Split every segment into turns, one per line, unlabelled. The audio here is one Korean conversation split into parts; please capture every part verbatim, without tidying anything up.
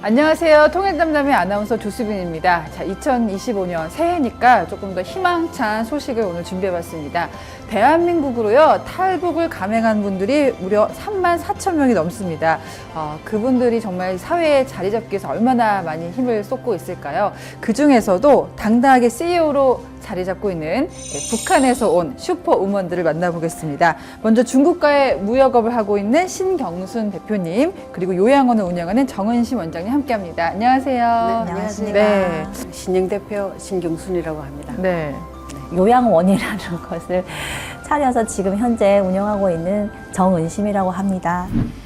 안녕하세요. 통일담담의 아나운서 조수빈입니다. 자, 이천이십오 년 새해니까 조금 더 희망찬 소식을 오늘 준비해봤습니다. 대한민국으로요, 탈북을 감행한 분들이 무려 삼만 사천 명이 넘습니다. 어, 그분들이 정말 사회에 자리 잡기 위해서 얼마나 많이 힘을 쏟고 있을까요? 그 중에서도 당당하게 씨이오로 자리 잡고 있는 북한에서 온 슈퍼우먼들을 만나보겠습니다. 먼저 중국과의 무역업을 하고 있는 신경순 대표님, 그리고 요양원을 운영하는 정은심 원장님 함께합니다. 안녕하세요.
네, 안녕하십니까.
네.
신영 대표 신경순이라고 합니다.
네.
요양원이라는 것을 차려서 지금 현재 운영하고 있는 정은심이라고 합니다.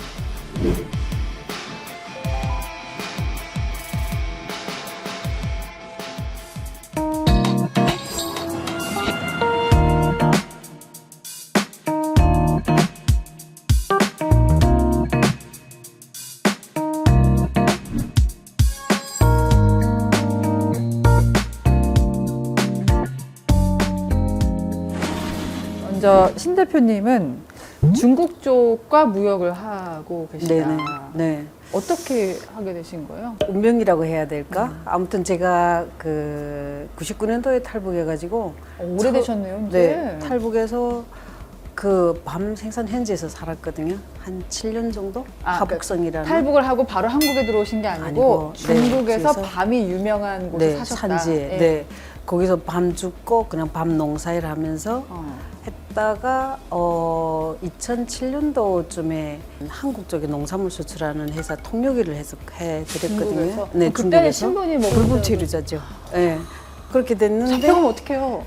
먼저 신 대표님은 중국 쪽과 무역을 하고 계시다.
네네. 네.
어떻게 하게 되신 거예요?
운명이라고 해야 될까? 아무튼 제가 그 구십구 년도에 탈북해가지고
어, 오래되셨네요, 이제.
네, 탈북해서 그 밤 생산 현지에서 살았거든요. 한 칠 년 정도?
아,
하북성이라는.
탈북을 하고 바로 한국에 들어오신 게 아니고,
아니고, 네,
중국에서
그래서-
밤이 유명한 곳에
네,
사셨다.
산지에.
예.
네. 거기서 밤 죽고 그냥 밤 농사일 하면서
어.
했다가 어 이천칠 년도쯤에 한국 쪽에 농산물 수출하는 회사 통역일을 해서 해드렸거든요.
중국에서?
네,
그럼 그때는
중국에서.
신분이 뭐
불법체류자죠. 네. 그렇게 됐는데
잡혀가면 어떡해요?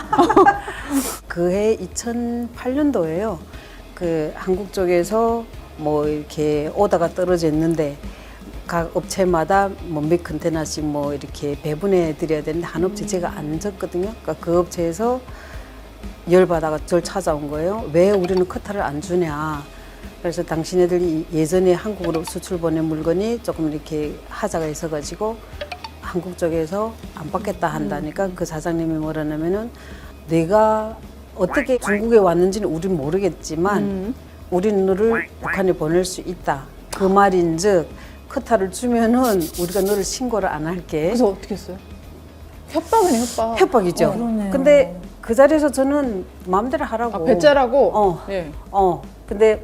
그해 이천팔 년도에요. 그 한국 쪽에서 뭐 이렇게 오다가 떨어졌는데 각 업체마다 뭐 몇 컨테너씩 뭐 이렇게 배분해 드려야 되는데 한 업체 제가 안 졌거든요. 그러니까 그 업체에서 열받아가 저를 찾아온 거예요. 왜 우리는 커타를 안 주냐. 그래서 당신네들이 예전에 한국으로 수출 보낸 물건이 조금 이렇게 하자가 있어가지고 한국 쪽에서 안 받겠다 한다니까 그 사장님이 뭐라냐면은 내가 어떻게 중국에 왔는지는 우린 모르겠지만
음.
우리는 너를 북한에 보낼 수 있다. 그 말인즉 커타를 주면은 우리가 너를 신고를 안 할게.
그래서 어떻게 했어요? 협박이네, 협박.
협박이죠.
어.
그러네요.
근데 그 자리에서 저는 마음대로 하라고.
아, 배짜라고?
어.
예.
어. 근데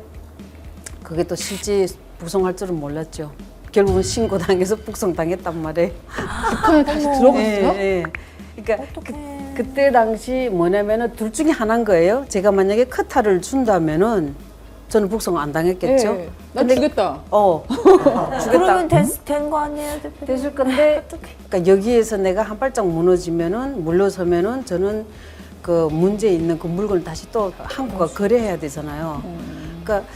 그게 또 실제 북송할 줄은 몰랐죠. 결국은 신고당해서 북송당했단 말이에요.
북한에 다시 들어갔어요?
예, 예. 그러니까 그, 그때 당시 뭐냐면은 둘 중에 하나인 거예요. 제가 만약에 커타를 준다면은 저는 북송 안 당했겠죠.
예. 난 주겠다.
어. 주겠다.
그러면 된 거 아니에요, 대표님?
됐을 건데, 그러니까 여기에서 내가 한 발짝 무너지면은 물러서면은 저는 그 문제 있는 그 물건을 다시 또 한국과 거래해야 되잖아요. 그러니까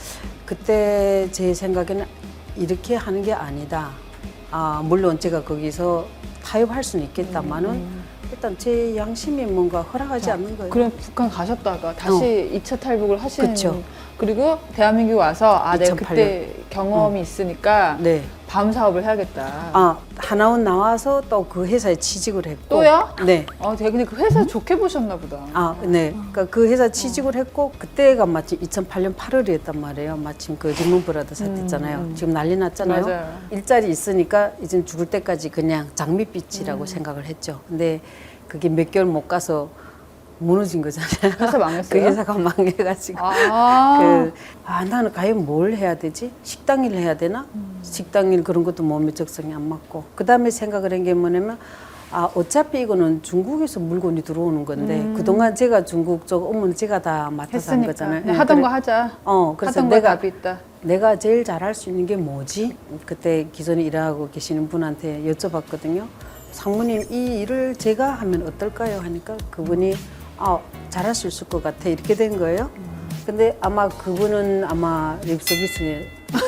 그때 제 생각에는 이렇게 하는 게 아니다. 아 물론 제가 거기서 타협할 수는 있겠다마는 일단 제 양심이 뭔가 허락하지 않는 거예요.
그럼 북한 가셨다가 다시 이 차 탈북을 하시는.
그쵸.
그리고 대한민국 와서 아, 내가
이천팔
그때 경험이 있으니까
네.
밤 사업을 해야겠다.
아 하나원 나와서 또 그 회사에 취직을 했고.
또요?
네.
아, 되게 근데 그 회사 좋게 보셨나 보다.
아, 네. 그러니까 그 회사 취직을 했고 그때가 마침 이천팔 년 팔월이었단 말이에요. 마침 그 리먼 브라더 사태 있잖아요. 지금 난리 났잖아요.
맞아요.
일자리 있으니까 이제 죽을 때까지 그냥 장밋빛이라고 생각을 했죠. 근데 그게 몇 개월 못 가서 무너진 거잖아요.
회사 망했어요?
그 회사가 망해가지고.
아,
그, 아, 나는 과연 뭘 해야 되지? 식당일 해야 되나? 식당일 그런 것도 몸에 적성이 안 맞고. 그 다음에 생각을 한 게 뭐냐면, 아, 어차피 이거는 중국에서 물건이 들어오는 건데, 그동안 제가 중국 쪽 업무는 제가 다 맡아서 한
했으니까
거잖아요.
그냥
예,
하던
그래-
거 하자.
어, 그래서
하던 거
내가,
답이 있다.
내가 제일 잘할 수 있는 게 뭐지? 그때 기존에 일하고 계시는 분한테 여쭤봤거든요. 상무님, 이 일을 제가 하면 어떨까요? 하니까 그분이, 아, 잘할 수 있을 것 같아. 이렇게 된 거예요. 근데 아마 그분은 아마 립서비스에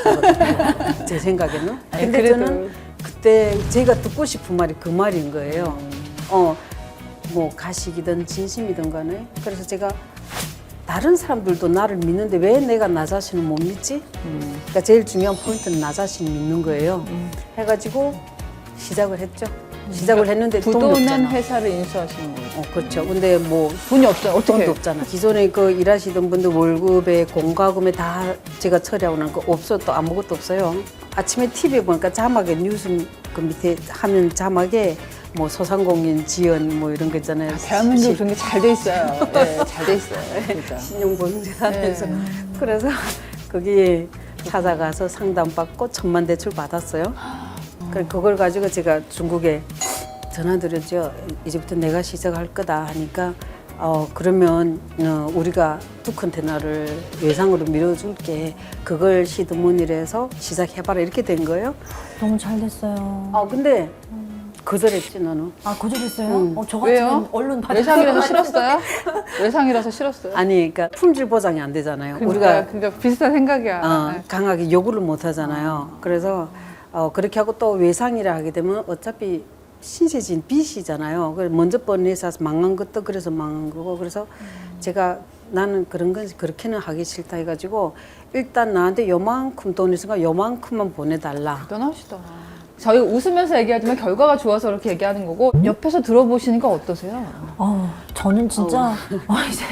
제 생각에는.
아니,
근데
그래도-
저는 그때 제가 듣고 싶은 말이 그 말인 거예요. 어, 뭐 가식이든 진심이든 간에. 그래서 제가 다른 사람들도 나를 믿는데 왜 내가 나 자신을 못 믿지? 그러니까 제일 중요한 포인트는 나 자신을 믿는 거예요. 해가지고 시작을 했죠. 시작을 했는데 돈이
부도난
없잖아.
회사를 인수하시는 거예요.
어, 그렇죠. 근데 뭐
돈이 없잖아. 어떻게?
돈도 없잖아. 기존에 그 일하시던 분들 월급에 공과금에 다 제가 처리하고 난 거 없어 또 아무것도 없어요. 아침에 티비에 보니까 자막에 뉴스 그 밑에 화면 자막에 뭐 소상공인 지원 뭐 이런 거 있잖아요.
대한민국 그런 게 잘 돼 있어요. 네, 잘 돼 있어요. 진짜.
신용보증재단에서
네.
그래서 거기에 찾아가서 상담받고 천만 대출 받았어요. 그래 그걸 가지고 제가 중국에 전화드렸죠. 이제부터 내가 시작할 거다 하니까 어 그러면 어, 우리가 두 컨테너를 외상으로 밀어줄게. 그걸 시드문이라 해서 시작해봐라 이렇게 된 거예요.
너무 잘 됐어요.
아 근데 거절했지 너는.
아, 거절했어요?
응.
어, 저
왜요?
같으면 얼른 받아.
외상이라서 싫었어요? 외상이라서 싫었어요?
아니 그러니까 품질 보장이 안 되잖아요.
그러니까,
우리가
그러니까 비슷한 생각이야.
어,
네.
강하게 요구를 못 하잖아요. 그래서 어, 그렇게 하고 또 외상이라 하게 되면 어차피 신세진 빚이잖아요. 그래서 먼저 번 회사에서 망한 것도 그래서 망한 거고 그래서 제가 나는 그런 건 그렇게는 하기 싫다 해가지고 일단 나한테 요만큼 돈 있으니까 요만큼만 보내달라.
대단하시다. 저희가 웃으면서 얘기하지만 결과가 좋아서 그렇게 얘기하는 거고 옆에서 들어보시니까 어떠세요?
어, 저는 진짜 어, 이제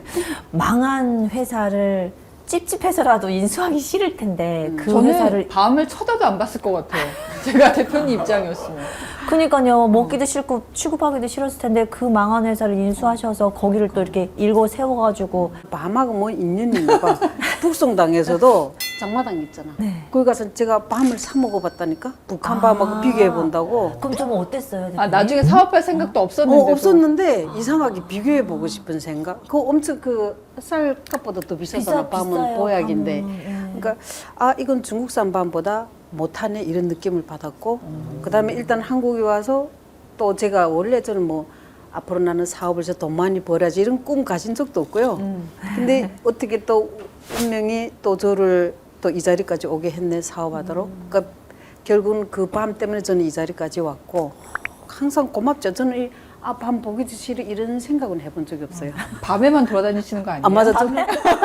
망한 회사를 찝찝해서라도 인수하기 싫을 텐데 그
저는
회사를
밤을 쳐다도 안 봤을 것 같아요. 제가 대표님 입장이었으면.
그러니까요 먹기도 싫고 취급하기도 싫었을 텐데 그 망한 회사를 인수하셔서 거기를 또 이렇게 일궈 세워가지고
밤하고 뭐 인연이 있나 봐. 북송당에서도 장마당 있잖아.
네.
거기 가서 제가 밤을 사 먹어봤다니까. 북한 밤하고 비교해 본다고.
그럼 좀 어땠어요? 대표님?
아 나중에 사업할 생각도 없었는데.
어, 없었는데 이상하게 비교해 보고 싶은 생각. 그 엄청 그 쌀값보다 더 비싸잖아.
비싸-
밤은
비싸요,
보약인데.
밤은. 예.
그러니까 아 이건 중국산 밤보다 못하네 이런 느낌을 받았고. 그다음에 일단 한국에 와서 또 제가 원래 저는 뭐 앞으로 나는 사업을 해서 돈 많이 벌어야지 이런 꿈 가진 적도 없고요. 근데 어떻게 또 운명이 또 저를 또 이 자리까지 오게 했네 사업하도록. 그러니까 결국은 그 밤 때문에 저는 이 자리까지 왔고 항상 고맙죠. 저는 이, 아, 밤 보기도 싫어 이런 생각은 해본 적이 없어요.
밤에만 돌아다니시는 거 아니에요?
아 맞아. 좀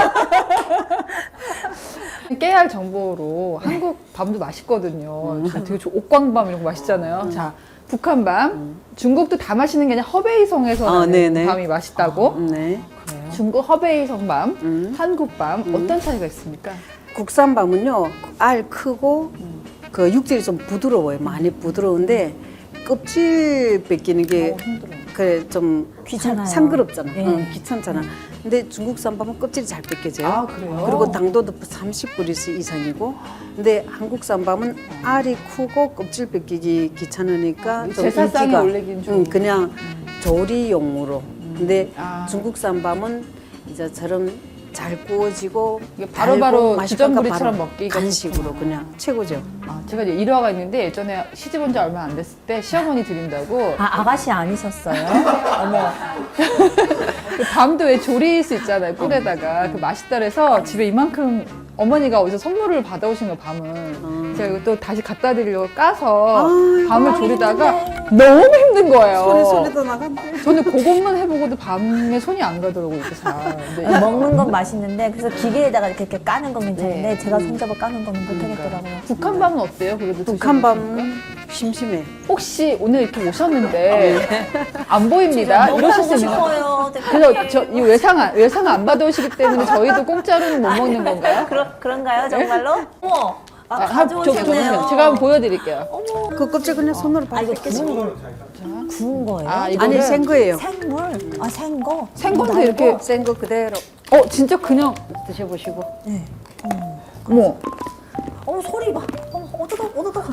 깨알 정보로 한국 밤도 맛있거든요. 다 되게 좋- 옥광밤 이런 거 맛있잖아요. 자, 북한 밤, 중국도 다 맛있는 게 아니라 허베이성에서
아,
나는
네네.
밤이 맛있다고.
네.
중국 허베이성 밤,
음.
한국 밤 어떤 차이가 있습니까?
국산 밤은요 알 크고 그 육질이 좀 부드러워요. 많이 부드러운데 껍질 벗기는 게
어, 힘들어.
그래 좀
귀찮아요.
상- 상그럽잖아.
네.
응, 귀찮잖아. 근데 중국산 밤은 껍질이 잘 벗겨져요.
아, 그래요?
그리고 당도도 삼십 그리스 이상이고. 근데 한국산 밤은 알이 크고 껍질 벗기기 귀찮으니까 좀
제사상에
인기가
올리긴 좀.
응, 그냥 조리용으로. 근데
아.
중국산 밤은 이제처럼 잘 구워지고
이게 바로바로
달고 맛있고
주전부리처럼
바로
먹기가
간식으로
좋구나.
그냥 최고죠.
아, 제가 이제 일화가 있는데 예전에 시집 온 지 얼마 안 됐을 때 시어머니 드린다고
아 아가씨 아니셨어요? 어머
그 밤도 왜 조릴 수 있잖아요 꿀에다가 그 맛있다 그래서 집에 이만큼 어머니가 어디서 선물을 받아오신 거 밤은 제가 이거 또 다시 갖다 드리려고 까서
아이고,
밤을
하기
조리다가
힘든데.
너무 힘든 거예요.
소리 소리도 나간대.
저는 그것만 해보고도 밤에 손이 안 가더라고요 이렇게 잘. 근데
먹는 건 맛있는데 그래서 기계에다가 이렇게, 이렇게 까는 건 괜찮은데
네.
제가 손잡아 까는 거는 못하겠더라고요.
북한 밤은 어때요? 그래도
북한
드셔보셨습니까?
밤은 심심해.
혹시 오늘 이렇게 오셨는데 안 보입니다.
너무
이러실
보고
수 있는
싶어요.
그래서 저 이 외상 안- 외상 안 받아오시기 때문에 저희도 공짜로는 못 먹는 건가요?
그러, 그런가요 정말로? 어머 아,
아, 한- 저- 저
가져오셨네요.
보세요. 제가 한번 보여드릴게요.
그 껍질 그냥 손으로
아
바로
이거
벗겨지.
구운 거 구운 거예요?
아, 이거
아니 생 거예요.
생물? 아 생거?
생건도 이렇게
센 거 그대로
어 진짜 그냥
드셔보시고.
네.
어머
어머 소리 봐. 어머 어떡하 어떡하.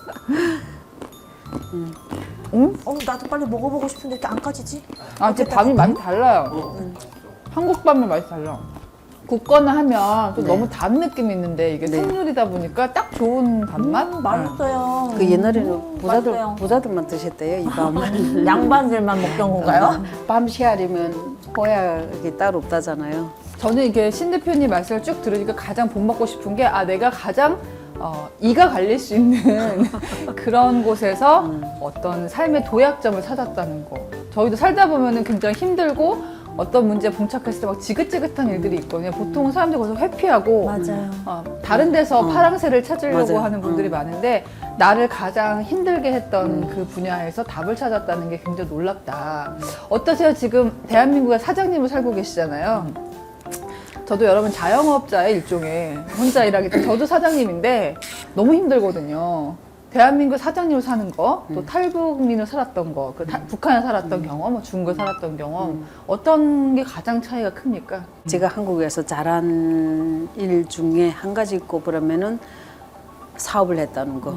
응?
어 나도 빨리 먹어보고 싶은데 이렇게 안 까지지?
아 진짜 밤이 맛이 달라요. 음. 한국 밤은 맛이 달라. 굽거나 하면 또
네.
너무 단 느낌이 있는데 이게
네.
생물이다 보니까 딱 좋은 단맛?
음, 맛있어요.
그 옛날에는
음,
부자들
맛있어요.
부자들만 드셨대요 이 밤은.
양반들만 먹던 건가요?
밤 시알이면 보약이 따로 없다잖아요.
저는 이게 신 대표님 말씀을 쭉 들으니까 가장 본받고 싶은 게 아 내가 가장 어, 이가 갈릴 수 있는 그런 곳에서 어떤 삶의 도약점을 찾았다는 거. 저희도 살다 보면은 굉장히 힘들고 어떤 문제에 봉착했을 때 막 지긋지긋한 일들이 있거든요. 보통은 사람들이 거기서 회피하고
맞아요.
어, 다른 데서
어.
파랑새를 찾으려고
맞아요.
하는 분들이
어.
많은데 나를 가장 힘들게 했던 그 분야에서 답을 찾았다는 게 굉장히 놀랍다. 어떠세요? 지금 대한민국의 사장님을 살고 계시잖아요. 저도 여러분 자영업자의 일종의 혼자 일하기 때문에 저도 사장님인데 너무 힘들거든요. 대한민국 사장님으로 사는 거, 또
음.
탈북민으로 살았던 거, 그 타- 북한에 살았던 경험, 뭐 중국에 살았던 경험, 어떤 게 가장 차이가 큽니까?
제가 한국에서 잘한 일 중에 한 가지 꼽으라면은 사업을 했다는 거.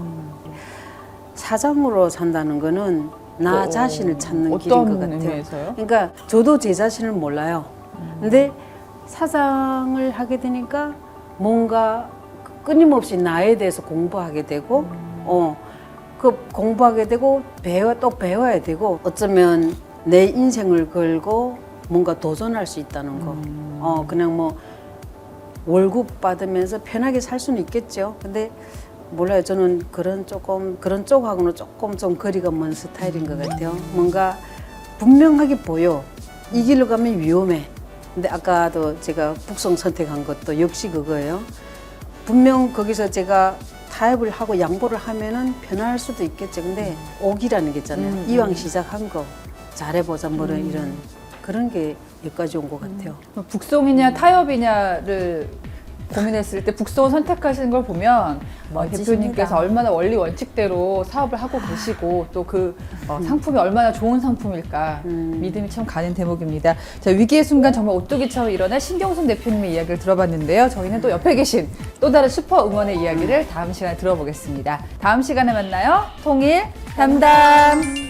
사장으로 산다는 거는 나
어,
자신을 찾는
어떤
길인 것 같아요.
의미에서요?
그러니까 저도 제 자신을 몰라요. 근데 사장을 하게 되니까 뭔가 끊임없이 나에 대해서 공부하게 되고, 어, 그 공부하게 되고 배워 또 배워야 되고 어쩌면 내 인생을 걸고 뭔가 도전할 수 있다는 거. 어, 그냥 뭐 월급 받으면서 편하게 살 수는 있겠죠. 근데 몰라요. 저는 그런 조금 그런 쪽하고는 조금 좀 거리가 먼 스타일인 것 같아요. 뭔가 분명하게 보여. 이 길로 가면 위험해. 근데 아까도 제가 북송 선택한 것도 역시 그거예요. 분명 거기서 제가 타협을 하고 양보를 하면은 편할 수도 있겠죠. 근데 오기라는 게 있잖아요.
음,
이왕 시작한 거 잘해보자 뭐 이런 그런 게 여기까지 온 것 같아요.
북송이냐 타협이냐를 고민했을 때 북송을 선택하시는 걸 보면 어,
멋지십니다.
대표님께서 얼마나 원리 원칙대로 사업을 하고 계시고 또 그 상품이 얼마나 좋은 상품일까
음.
믿음이 참 가는 대목입니다. 자, 위기의 순간 정말 오뚜기처럼 일어난 신경순 대표님의 이야기를 들어봤는데요. 저희는 또 옆에 계신 또 다른 슈퍼 응원의 이야기를 다음 시간에 들어보겠습니다. 다음 시간에 만나요. 통일 담담.